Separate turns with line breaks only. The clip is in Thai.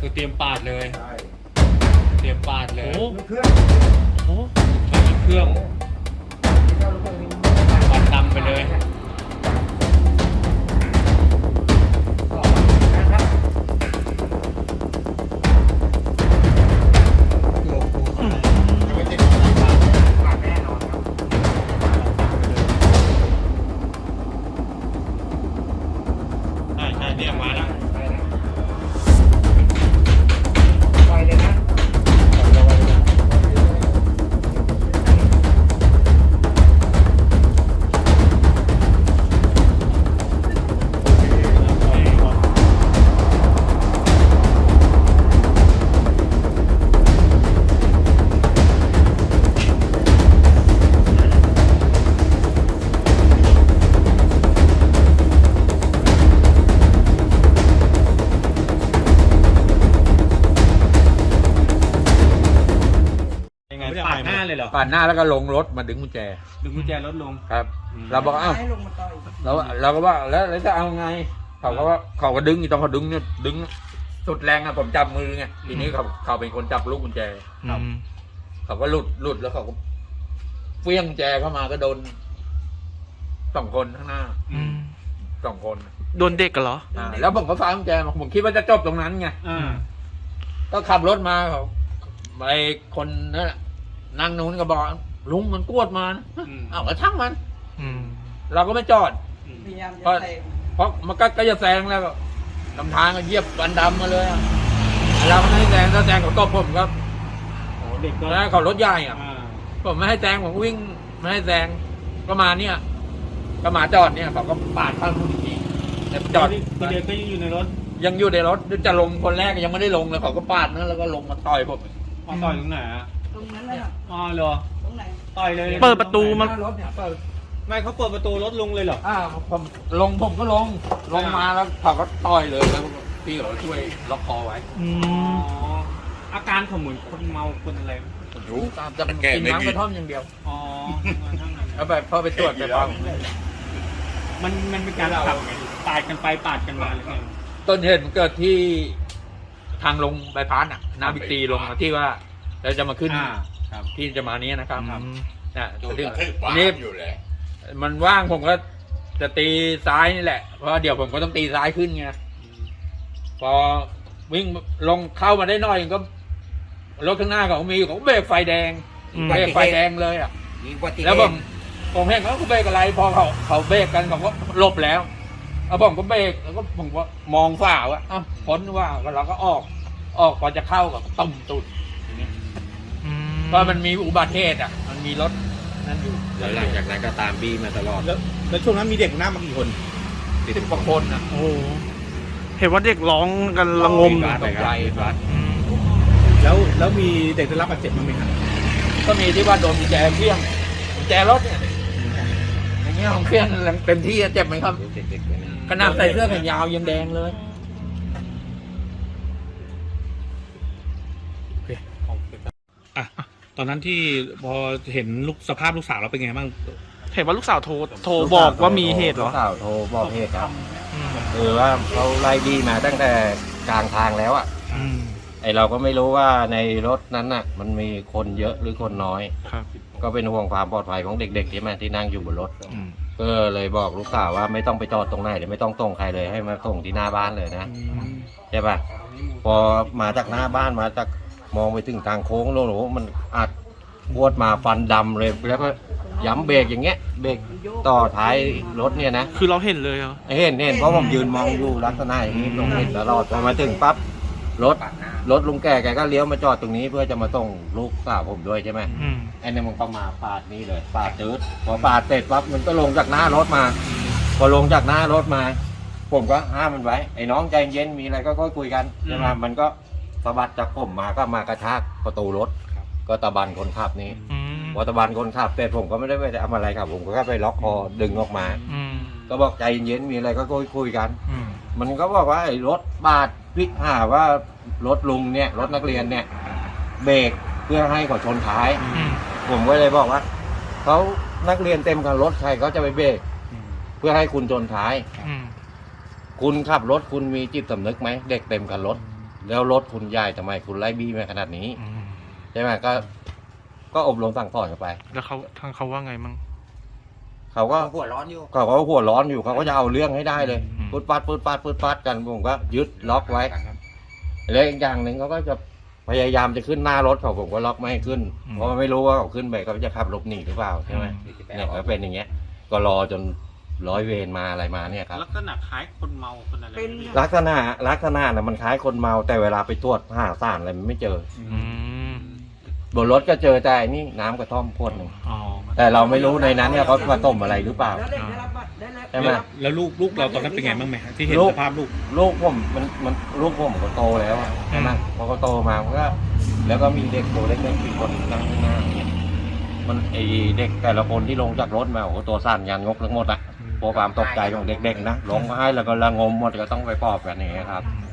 คือเตรียมปาดเลย
ใช่
เตรียมปาดเลย
โอ้
ลูกเครื่อง
โห
ไม่มีเครื่อง
เจ้าลูกเครื่องนี้
ปาดดำไปเลย
นะครับไม่ติดปากแน่นอนครับ
ใช่ใช่เนี่ยมาแล้ว
ไปเลยนะ
ยังไงปาดหน้าเลยเหรอ
ปาดหน้าแล้วก็ลงรถมาดึงกุญแจ
ดึงกุญแจรถลง
ครับ
อืม
เราบอกอ้าวเราก็ว่าแล้วจะเอาไงเขาก็ดึงตอนเขาดึงเนี่ยดึงสุดแรงอะผมจับมือไงทีนี้เขาเป็นคนจับลูกกุญแจ
อืม
เขาก็หลุดแล้วเขาก็เฟี้ยงกุญแจเข้ามาก็โดน2 คนข้างหน้า
อืม
2 คน
โดนเด็กกันเหรอ
แล้วผมก็ฟ้ากุญแจมาผมคิดว่าจะจบตรงนั้นไง
อ่า
ก็ขับรถมาเขาไอ้คนนั่นแหละนั่งนู้นก็บอกลุงมันกวดมานะ
อืม
เอาก็ช่างมัน
อืม
เราก็ไม่จอด
อืม
พยายาม
เพราะ
จะแซง
เพราะมันก็จะแซงแล้วก็ลำทางก็เหยียบกันดำมาเลยอะเราไม่ให้แซงถ้าแซงเขาตบผมครับ
โอ้เด็กก็
แล้วเขารถใหญ่อ่ะ
อ่า
ผมไม่ให้แซงผมวิ่งไม่ให้แซงก็มาเนี่ย ก็มาจอดเนี่ยเขาก็ปาดข้างนู้นอีกทีแต่จอด
คือเด็กก็ยังอยู่ในรถ
ยังอยู่ในรถจะลงคนแรกยังไม่ได้ลงเลยเขาก็ปาดนะแล้วก็ลงมาต่อยผม
มาต่อยตรงไหนอ่ะ
ตรงนั้นน่ะ
อ๋อเหรอ
ตรงไหน
ต่อยเลย
เปิดประตูมัน
รถเนี่ยเปิด
ไม่เขาเปิดประตูรถลุงเลยเหรอ
ผมผมก็ลงมาแล้วเขาก็ต่อยเลยแล้วพี่เขาช่วยล็อกคอไว้
อื
อ๋อ
ม
อาการเขาเหมือนคนเมาคนอะไรไหม
รู้ตามจะกินน้ำกระท่อมอย่างเดียว
อ๋อมาทั้งนั้น
เอาไปพอไปตรวจไปฟัง
มันเป็นการขับปาดกันไปปาดกันมาเลยไง
ต้นเหตุมันเกิดที่ทางลงใบพัดอ่ะนาบิตีลงมาที่ว่าเราจะมาขึ้น
ครับ
ที่จะมานี้นะครับ
อืม
นะ
ดู
ถึ
ก
ง
ระทึก
นี่
อยู่เลย
มันว่างผมก็จะตีซ้ายนี่แหละ เพราะเดี๋ยวผมก็ต้องตีซ้ายขึ้นไงพอวิ่งลงเข้ามาได้หน่อยก็รถข้างหน้าเขามีเขาเบรกไฟแดง
อืม
เบรกไฟแดงเลยอ่ะ
มีอุบัติเหตุ
แล้วผมเห็นเขาเบรกอะไร พอเขาเบรกกันผมก็หลบแล้วแล้วผมก็เบรกแล้วก็ผมก็มองฝ่าว่าอ้าวพ้นว่าเราก็ออกพอจะเข้ากับต้มตุดอย่างนี้
อืม
เพราะมันมีอุบัติเหตุอ่ะ มันมีรถนั่นอยู่
แล้วหลังจากนั้นก็ตามบี้มาตลอด
แล้วช่วงนั้นมีเด็กหน้ามากี่คน
10 กว่าคนอ่ะ
โอ้โหเห็นว่าเด็กร้องกันระงม
ตกใจ
อืม
แล้วมีเด็กได้รับบาดเจ็บบ้างไหมครับ
ก็มีที่ว่าโดนกุญแจเฟี้ยงกุญแจรถเนี่ยอย่างเงี้ยของเฟี้ยงเต็มที่เจ็บไหมครับ
เด็กๆเลยนะ
ขนาดใส่เสื้อแขนยาวยังแดงเลย
อ่ะตอนนั้นที่พอเห็นสภาพลูกสาวเราเป็นไงบ้าง เห็นว่าลูกสาวโทรบอกว่ามีเหตุเหรอ
ลูกสาวโทรบอกเหตุครับ
อืม
คือว่าเขาไล่บี้มาตั้งแต่กลางทางแล้วอ่ะ
อืม
ไอเราก็ไม่รู้ว่าในรถนั้นน่ะ มันมีคนเยอะหรือคนน้อย
ครับ
ก็เป็นห่วงความปลอดภัยของเด็กๆที่มาที่นั่งอยู่บนรถ
อืม
ก็เลยบอกลูกสาวว่าไม่ต้องไปจอดตรงไหนเดี๋ยวไม่ต้องส่งใครเลยให้มาส่งที่หน้าบ้านเลยนะ
อืม
ใช่ปะพอมาจากหน้าบ้านมาจากมองไปถึงทางโค้งโลโหมันอัดบวดมาฟันดำเลยแล้วก็ย้ำเบรกอย่างเงี้ยเบรกต่อท้ายรถเนี่ยนะ
คือเราเห็นเลยเหรอ
เห็นเพราะผมยืนมองอยู่ลักษณะอย่างนี้ตรงเห็นตลอดพอมาถึงปั๊บรถลุงแกก็เลี้ยวมาจอดตรงนี้เพื่อจะมาส่งลูกสาวผมด้วยใช่ไหม
อืม
ไอ้เนี่ยมันก็มาปาดนี่เลยปาดจืดพอปาดเสร็จปั๊บมันก็ลงจากหน้ารถมา พอลงจากหน้ารถมา ผมก็ห้ามมันไว้ไอ้น้องใจเย็นมีอะไรก็ค่อยคุยกันใช่ไหมมันก็สะบัดจากผมมาก็มากระชากประตูรถก็ตะบันคนขับนี้
อืม
พอตะบันคนขับเสร็จผมก็ไม่ได้ไปทำอะไรครับผมก็แค่ไปล็อกคอดึงออกมา
อืม
ก็บอกใจเย็นมีอะไรก็คุยกัน
อืม
มันก็บอกว่าไอ้รถบาดพิกหาว่ารถลุงเนี่ยรถนักเรียนเนี่ยเบรกเพื่อให้เขาชนท้าย
อืม
ผมก็เลยบอกว่าเขานักเรียนเต็มกับรถใครเขาจะไปเบรกเพื่อให้คุณชนท้าย
อืม
คุณขับรถคุณมีจิตสำนึกไหมเด็กเต็มกับรถแล้วรถคุณใหญ่ทำไมคุณไล่บี้มาขนาดนี้
อืม
ใช่ไหมก็อบรมสั่งสอนกันไป
แล้วเขาทางเขาว่าไงมั่ง
เขาก็
หัวร้อนอยู่
เขาก็หัวร้อนอยู่เขาก็จะเอาเรื่องให้ได้เลย
อืม
ปืดปัดกันผมก็ยึดล็อกไว้แล้วอีกอย่างหนึ่งเขาก็จะพยายามจะขึ้นหน้ารถเขาผมก็ล็อกไม่ให้ขึ้นเพราะไม่รู้ว่าเขาขึ้นไปเขาจะขับหลบหนีหรือเปล่าใช่ไหมเนี่ยก็เป็นอย่างเงี้ย ก็รอจนร้อยเวรมาอะไรมาเนี่ยครับ
ลักษณะคล้ายคนเมาคนอะไร
เป็น
ลักษณะน่ะมันคล้ายคนเมาแต่เวลาไปตรวจหาสารอะไรมันไม่เจอ
อืม
บนรถก็เจอแต่อันนี่น้ำกระท่อมขวดหนึ่ง
อ๋อ
แต่เราไม่รู้ในนั้นเนี่ยเขาผสมอะไรหรือเปล่า
แล้วเด็กได้รับบัตรได้รับ
ใช่ไหม
แล้วลูกเราตอนนั้นเป็นไงบ้างไหมฮะที่เห็น
ลูก
สภาพลูก
ลูกผมมันลูกผมก็โตแล้วอะใช่ไหมพอเขาโตมามันก็แล้วก็มีเด็กตัวเล็กๆอีกคนนั่งข้างหน้าอย่างเงี้ยมันไอเด็กแต่ละคนที่ลงจากรถมาโอ้โหตัวสั่นยันงกทั้งหมดอะเพราะความตกใจของเด็กๆนะลงมาให้แล้วก็ระงมหมดก็ต้องไปปลอบกันอย่างเงี้ยครับ
อืม